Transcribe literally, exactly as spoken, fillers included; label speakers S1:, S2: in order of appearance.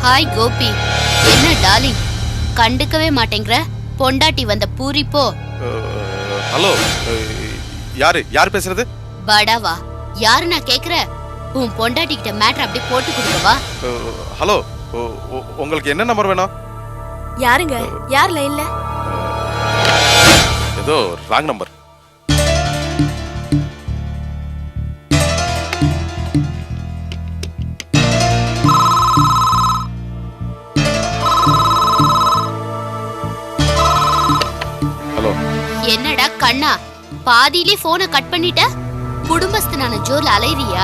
S1: Hi Gopi. என்ன darling, கண்டுக்கவே மாட்டேங்கிற? பொண்டாட்டி வந்த பூரிப்போ.
S2: ஹலோ, யாரு யார் பேசுறது?
S1: படாவா, யாரு நான் கேக்குற? உன் பொண்டாட்டி கிட்ட மேட்டர் அப்படியே போட்டு கொடுக்கவா?
S2: ஹலோ, உங்களுக்கு என்ன நம்பர் வேணும்?
S3: யாருங்க? யார் லைன்ல?
S2: ஏதோ ராங் நம்பர். ஹலோ.
S1: என்னடா கண்ணா, பாதியிலே போனை கட் பண்ணிட்ட? குடும்பஸ்தனான ஜோர்ல அலைறியா?